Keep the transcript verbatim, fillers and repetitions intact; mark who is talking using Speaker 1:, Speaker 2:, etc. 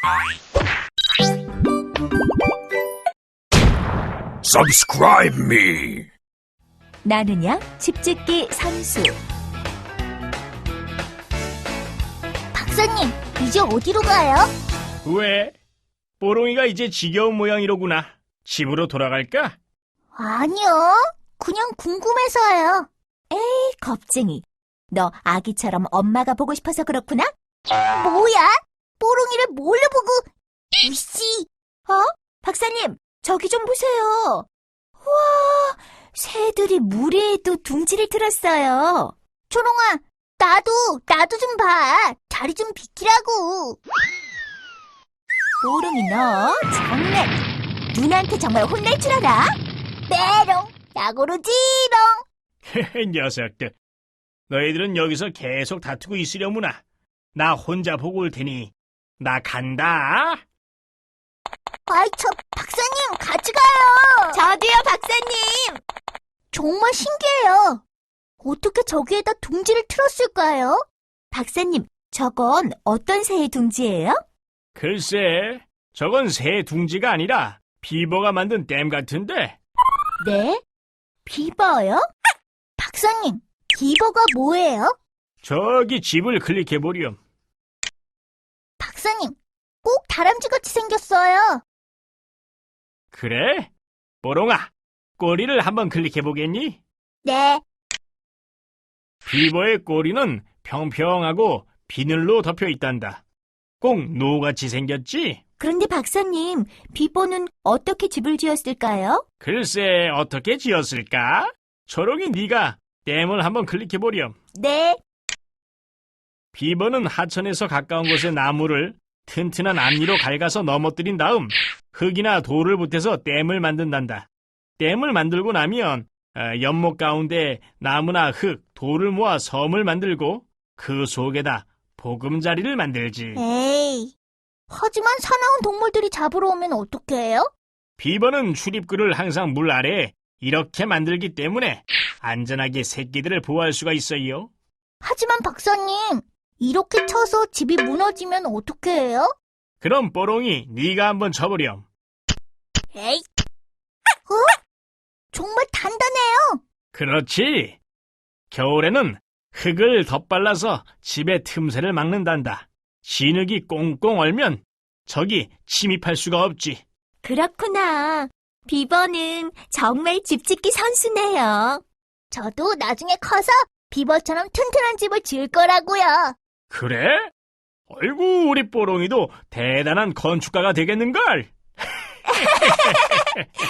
Speaker 1: Subscribe me.
Speaker 2: 나는야 집짓기 선수.
Speaker 3: 박사님, 이제 어디로 가요?
Speaker 4: 왜? 뽀롱이가 이제 지겨운 모양이로구나. 집으로 돌아갈까?
Speaker 3: 아니요, 그냥 궁금해서요.
Speaker 2: 에이, 겁쟁이. 너 아기처럼 엄마가 보고 싶어서 그렇구나?
Speaker 3: 뭐야? 뽀롱이를 뭘로 보고? 이씨!
Speaker 2: 어? 박사님, 저기 좀 보세요. 우와, 새들이 무리에도 둥지를 틀었어요.
Speaker 3: 초롱아, 나도, 나도 좀 봐. 자리 좀 비키라고.
Speaker 2: 뽀롱이 너 정말 누나한테 정말 혼낼 줄 알아?
Speaker 3: 메롱, 야구르지롱.
Speaker 4: 녀석들. 너희들은 여기서 계속 다투고 있으려무나. 나 혼자 보고 올 테니 나 간다.
Speaker 3: 아이, 저, 박사님, 같이 가요.
Speaker 2: 저도요, 박사님.
Speaker 3: 정말 신기해요. 어떻게 저기에다 둥지를 틀었을까요?
Speaker 2: 박사님, 저건 어떤 새의 둥지예요?
Speaker 4: 글쎄, 저건 새 둥지가 아니라 비버가 만든 댐 같은데.
Speaker 2: 네? 비버요?
Speaker 3: 박사님, 비버가 뭐예요?
Speaker 4: 저기 집을 클릭해보렴.
Speaker 3: 박사님, 꼭 다람쥐같이 생겼어요.
Speaker 4: 그래? 뽀롱아, 꼬리를 한번 클릭해보겠니?
Speaker 3: 네.
Speaker 4: 비버의 꼬리는 평평하고 비늘로 덮여 있단다. 꼭 노같이 생겼지?
Speaker 2: 그런데 박사님, 비버는 어떻게 집을 지었을까요?
Speaker 4: 글쎄, 어떻게 지었을까? 초롱이 네가 댐을 한번 클릭해보렴.
Speaker 2: 네.
Speaker 4: 비버는 하천에서 가까운 곳의 나무를 튼튼한 앞니로 갉아서 넘어뜨린 다음 흙이나 돌을 보태서 댐을 만든단다. 댐을 만들고 나면 어, 연못 가운데 나무나 흙, 돌을 모아 섬을 만들고 그 속에다 보금자리를 만들지.
Speaker 3: 에이, 하지만 사나운 동물들이 잡으러 오면 어떡해요?
Speaker 4: 비버는 출입구를 항상 물 아래에 이렇게 만들기 때문에 안전하게 새끼들을 보호할 수가 있어요.
Speaker 3: 하지만 박사님, 이렇게 쳐서 집이 무너지면 어떡해요?
Speaker 4: 그럼 뽀롱이 네가 한번 쳐보렴.
Speaker 3: 에이, 어? 정말 단단해요.
Speaker 4: 그렇지. 겨울에는 흙을 덧발라서 집의 틈새를 막는단다. 진흙이 꽁꽁 얼면 적이 침입할 수가 없지.
Speaker 2: 그렇구나. 비버는 정말 집짓기 선수네요.
Speaker 3: 저도 나중에 커서 비버처럼 튼튼한 집을 지을 거라고요.
Speaker 4: 그래? 아이고, 우리 뽀롱이도 대단한 건축가가 되겠는걸?